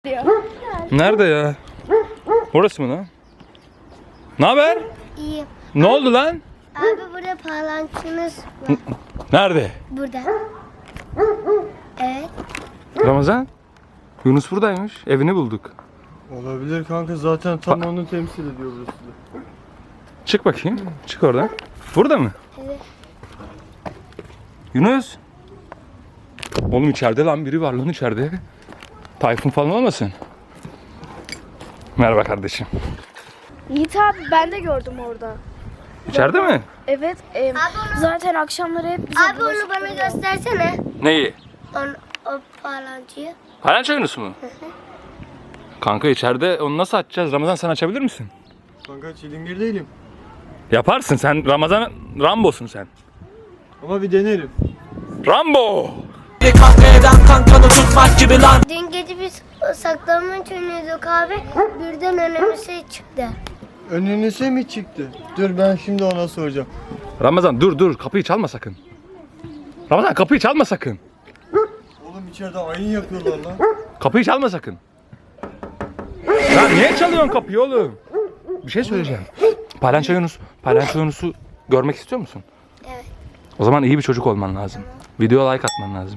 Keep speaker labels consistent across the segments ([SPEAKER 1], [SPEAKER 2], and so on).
[SPEAKER 1] Nerede ya? Burası mı lan? Ne haber?
[SPEAKER 2] İyi.
[SPEAKER 1] Ne oldu lan?
[SPEAKER 2] Abi burada parlantınız var.
[SPEAKER 1] Nerede?
[SPEAKER 2] Burada. Evet.
[SPEAKER 1] Ramazan? Yunus buradaymış. Evini bulduk.
[SPEAKER 3] Olabilir kanka, zaten tam onu temsil ediyor burası da.
[SPEAKER 1] Çık bakayım. Çık oradan. Burada mı?
[SPEAKER 2] Evet.
[SPEAKER 1] Yunus. Oğlum içeride lan, biri var lan içeride. Tayfun falan olmasın? Merhaba kardeşim.
[SPEAKER 4] Yiğit abi ben de gördüm orada.
[SPEAKER 1] İçeride mi?
[SPEAKER 4] Evet. Zaten akşamları hep bize
[SPEAKER 2] Abi onu bana göstersene.
[SPEAKER 1] Neyi?
[SPEAKER 2] O parlantıyı.
[SPEAKER 1] Palanca Yunus mu? Kanka içeride onu nasıl açacağız? Ramazan sen açabilir misin?
[SPEAKER 3] Kanka çilingir değilim.
[SPEAKER 1] Yaparsın sen. Ramazan Rambo'sun sen.
[SPEAKER 3] Ama bir denerim.
[SPEAKER 1] Rambo!
[SPEAKER 2] Dün gece biz saklanmaç oynuyorduk abi. Birden önümüze çıktı.
[SPEAKER 3] Önünüze mi çıktı? Dur ben şimdi ona soracağım.
[SPEAKER 1] Ramazan dur kapıyı çalma sakın. Ramazan kapıyı çalma sakın.
[SPEAKER 3] Oğlum içeride ayin yapıyorlar lan.
[SPEAKER 1] Kapıyı çalma sakın. Ya niye çalıyorsun kapıyı oğlum? Bir şey söyleyeceğim. Palanca Yunus'u görmek istiyor musun?
[SPEAKER 2] Evet.
[SPEAKER 1] O zaman iyi bir çocuk olman lazım. Videoya like atman lazım.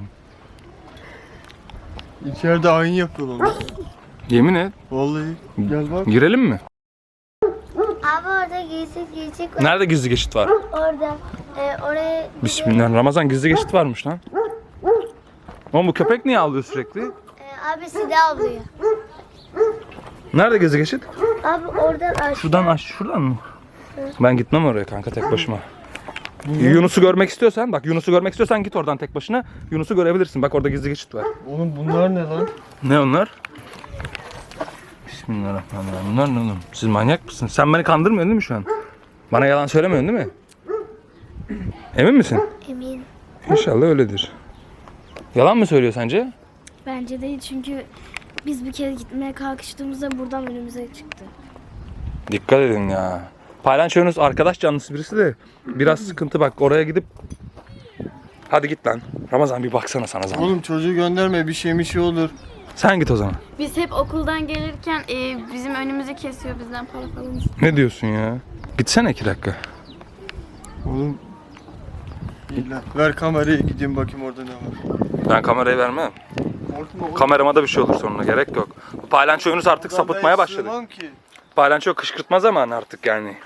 [SPEAKER 3] İçeride ayin yapıyorlar lan.
[SPEAKER 1] Yemin et.
[SPEAKER 3] Vallahi. Gel bak.
[SPEAKER 1] Girelim mi?
[SPEAKER 2] Abi orada gizli var.
[SPEAKER 1] Nerede gizli geçit var?
[SPEAKER 2] Orada. Oraya
[SPEAKER 1] Bismillah. Ramazan gizli geçit varmış lan. Oğlum bu köpek niye ağlıyor sürekli?
[SPEAKER 2] abi silah avlıyor.
[SPEAKER 1] Nerede gizli geçit?
[SPEAKER 2] Abi oradan aşağı.
[SPEAKER 1] Şuradan mı? Ben gitmem oraya kanka tek başıma. Yunus'u görmek istiyorsan git oradan tek başına. Yunus'u görebilirsin. Bak orada gizli geçit var.
[SPEAKER 3] Oğlum bunlar ne lan?
[SPEAKER 1] Ne onlar? Bismillahirrahmanirrahim. Bunlar ne oğlum? Siz manyak mısınız? Sen beni kandırmıyorsun değil mi şu an? Bana yalan söylemiyorsun değil mi? Emin misin?
[SPEAKER 2] Emin.
[SPEAKER 1] İnşallah öyledir. Yalan mı söylüyor sence?
[SPEAKER 4] Bence değil çünkü biz bir kere gitmeye kalkıştığımızda buradan önümüze çıktı.
[SPEAKER 1] Dikkat edin ya. Paylanço Yunus arkadaş canlısı birisi de biraz sıkıntı, bak oraya gidip hadi git lan. Ramazan bir baksana sana zaman.
[SPEAKER 3] Oğlum çocuğu gönderme, bir şey olur.
[SPEAKER 1] Sen git o zaman.
[SPEAKER 5] Biz hep okuldan gelirken bizim önümüzü kesiyor, bizden para falan istiyor.
[SPEAKER 1] Ne diyorsun ya? Gitsene 2 dakika.
[SPEAKER 3] Oğlum. İyi lan. Ver kamerayı, gideyim bakayım orada ne var.
[SPEAKER 1] Ben kamerayı vermem.
[SPEAKER 3] Korkma oğlum.
[SPEAKER 1] Kamerama da bir şey olur sonra, gerek yok. Bu Paylanço Yunus artık
[SPEAKER 3] Ulan ben
[SPEAKER 1] sapıtmaya başladı.
[SPEAKER 3] sığmam ki.
[SPEAKER 1] Paylanço kışkırtma zamanı artık yani.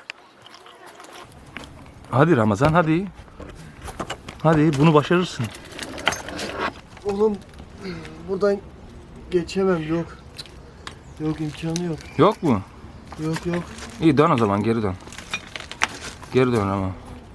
[SPEAKER 1] Hadi Ramazan hadi. Hadi bunu başarırsın.
[SPEAKER 3] Oğlum buradan geçemem, yok. Yok, imkanı yok.
[SPEAKER 1] Yok mu?
[SPEAKER 3] Yok.
[SPEAKER 1] İyi dön o zaman, geri dön. Geri dön ama.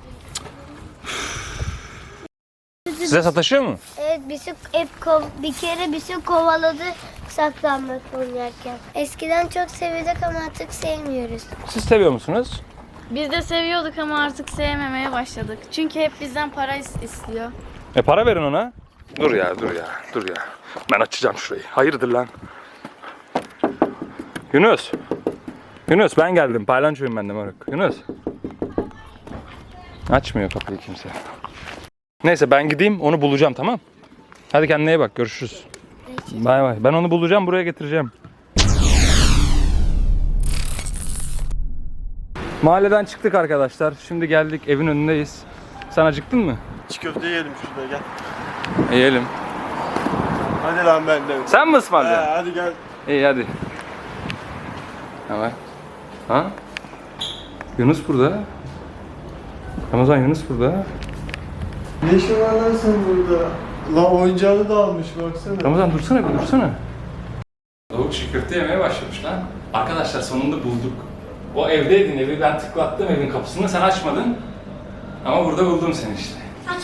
[SPEAKER 1] Size sataşıyor mu?
[SPEAKER 2] Evet bir kere bizi kovaladı saklanmaç oynarken. Eskiden çok seviyorduk ama artık sevmiyoruz.
[SPEAKER 1] Siz seviyor musunuz?
[SPEAKER 5] Biz de seviyorduk ama artık sevmemeye başladık. Çünkü hep bizden para istiyor.
[SPEAKER 1] Para verin ona. Dur ya. Ben açacağım şurayı. Hayırdır lan? Yunus ben geldim. Paylançoyum ben de moruk. Yunus. Açmıyor kapıyı kimse. Neyse ben gideyim, onu bulacağım, tamam. Hadi kendine iyi bak, görüşürüz. Bay bay. Ben onu bulacağım, buraya getireceğim. Mahalleden çıktık arkadaşlar. Şimdi geldik, evin önündeyiz. Sen acıktın mı?
[SPEAKER 3] Çiğ köfte yiyelim şurada, gel.
[SPEAKER 1] Yiyelim.
[SPEAKER 3] Hadi lan benden.
[SPEAKER 1] Sen mi ısmarlayacaksın?
[SPEAKER 3] Hadi gel.
[SPEAKER 1] İyi hadi. Hemen. Ha? Yunus burada. Ramazan Yunus burada.
[SPEAKER 3] Ne işin var lan sen burada? Lan oyuncağını da almış baksana.
[SPEAKER 1] Ramazan dursana. Tavuk çiğ köfte yemeye başlamış lan. Arkadaşlar sonunda bulduk. O evdeydin, evi ben tıklattım evin kapısını, sen açmadın. Ama burada buldum seni işte.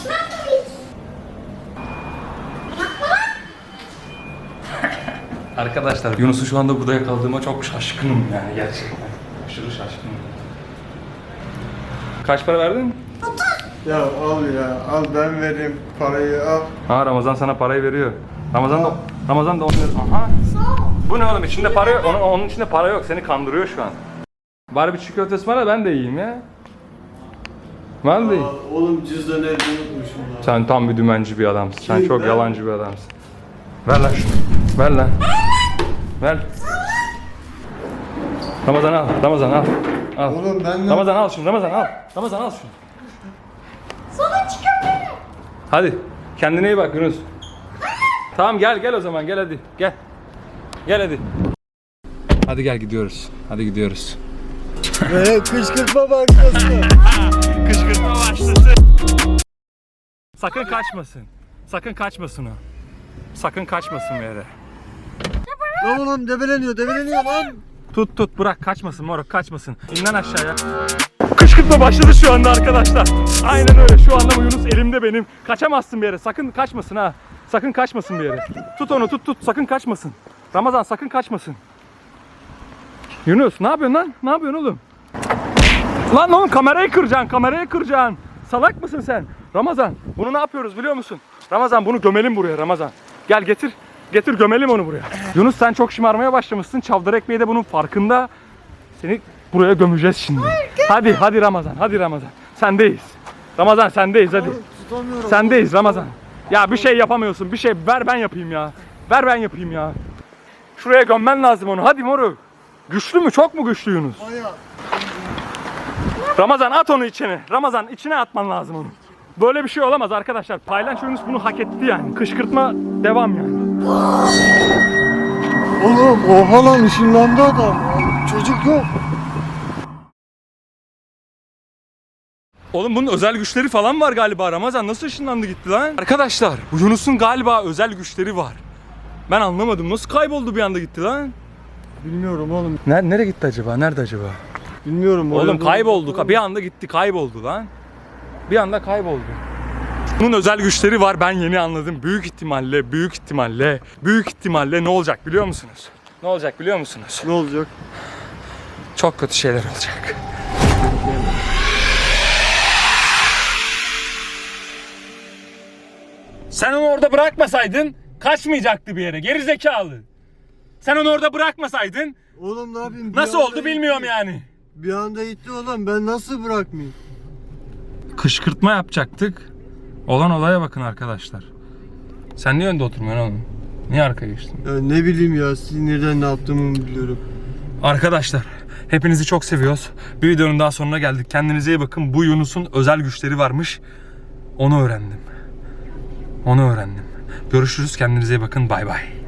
[SPEAKER 1] Arkadaşlar Yunus'u şu anda burada yakaladığıma çok şaşkınım yani gerçekten. Aşırı şaşkınım. Kaç para verdin?
[SPEAKER 3] Ya al ben vereyim parayı, al.
[SPEAKER 1] Ha, Ramazan sana parayı veriyor. Ramazan da onu... Aha. Bu ne oğlum, içinde para yok. Onun içinde para yok, seni kandırıyor şu an. Bari bir çiğ köftesi var da ben de yiyeyim ya. Ben de yiyeyim.
[SPEAKER 3] Oğlum cüzdanı evde unutmuşum lan.
[SPEAKER 1] Sen tam bir dümenci bir adamsın. Sen
[SPEAKER 3] Kim
[SPEAKER 1] çok
[SPEAKER 3] ben?
[SPEAKER 1] yalancı bir adamsın. Ver lan şunu. Ver lan. Ver. Ramazan al. Ramazan al. Al.
[SPEAKER 3] Oğlum ben de...
[SPEAKER 1] Ramazan al şunu. Ramazan al. Ramazan al şunu. Hadi. Kendine iyi bak Yunus. Tamam gel o zaman. Gel hadi. Gel. Gel hadi. Hadi gel gidiyoruz. Hadi gidiyoruz.
[SPEAKER 3] Kışkırtma bankası.
[SPEAKER 1] Kışkırtma başlasın. Sakın kaçmasın. Sakın kaçmasın o. Sakın kaçmasın bir yere.
[SPEAKER 3] Lan oğlum debeleniyor lan.
[SPEAKER 1] Tut bırak kaçmasın moruk kaçmasın. İn lan aşağıya. Kışkırtma başladı şu anda arkadaşlar. Aynen öyle şu anda bu Yunus elimde benim. Kaçamazsın bir yere sakın kaçmasın ha. Sakın kaçmasın bir yere. Tut onu tut sakın kaçmasın. Ramazan sakın kaçmasın. Yunus ne yapıyorsun lan? Ne yapıyorsun oğlum? Lan oğlum kamerayı kıracaksın. Salak mısın sen? Ramazan bunu ne yapıyoruz biliyor musun? Ramazan bunu gömelim buraya Ramazan. Gel getir gömelim onu buraya. Yunus sen çok şımarmaya başlamışsın. Çavdar ekmeği de bunun farkında. Seni buraya gömeceğiz şimdi. Hadi Ramazan. Sendeyiz. Ramazan sendeyiz hadi.
[SPEAKER 3] Tutamıyorum.
[SPEAKER 1] Sendeyiz Ramazan. Ya bir şey yapamıyorsun. Bir şey ver ben yapayım ya. Şuraya gömmen lazım onu. Hadi moruk. Güçlü mü? Çok mu güçlü Yunus?
[SPEAKER 3] Bayağı.
[SPEAKER 1] Ramazan at onu içine. Ramazan içine atman lazım onu. Böyle bir şey olamaz arkadaşlar. Paylaş Yunus bunu hak etti yani. Kışkırtma devam yani.
[SPEAKER 3] Oğlum oha lan ışınlandı adam. Çocuk yok.
[SPEAKER 1] Oğlum bunun özel güçleri falan var galiba. Ramazan nasıl ışınlandı gitti lan? Arkadaşlar bu Yunus'un galiba özel güçleri var. Ben anlamadım. Nasıl kayboldu bir anda gitti lan?
[SPEAKER 3] Bilmiyorum oğlum.
[SPEAKER 1] Nereye gitti acaba? Nerede acaba?
[SPEAKER 3] Bilmiyorum.
[SPEAKER 1] Oğlum
[SPEAKER 3] orada-
[SPEAKER 1] kayboldu. Bir anda gitti kayboldu lan. Bir anda kayboldu. Bunun özel güçleri var ben yeni anladım. Büyük ihtimalle ne olacak biliyor musunuz? Ne olacak biliyor musunuz?
[SPEAKER 3] Ne olacak?
[SPEAKER 1] Çok kötü şeyler olacak. Sen onu orada bırakmasaydın kaçmayacaktı bir yere. Geri zekalı. Sen onu orada bırakmasaydın
[SPEAKER 3] Oğlum ne yapayım? Bir
[SPEAKER 1] nasıl
[SPEAKER 3] anda
[SPEAKER 1] oldu bilmiyorum
[SPEAKER 3] gitti.
[SPEAKER 1] yani.
[SPEAKER 3] Bir anda gitti oğlum. Ben nasıl bırakmayayım?
[SPEAKER 1] Kışkırtma yapacaktık. Olan olaya bakın arkadaşlar. Sen niye önde oturmuyorsun oğlum? Niye arkaya geçtin?
[SPEAKER 3] Ya ne bileyim ya. Sinirden ne yaptığımı biliyorum.
[SPEAKER 1] Arkadaşlar hepinizi çok seviyoruz. Bir videonun daha sonuna geldik. Kendinize iyi bakın. Bu Yunus'un özel güçleri varmış. Onu öğrendim. Görüşürüz. Kendinize iyi bakın. Bay bay.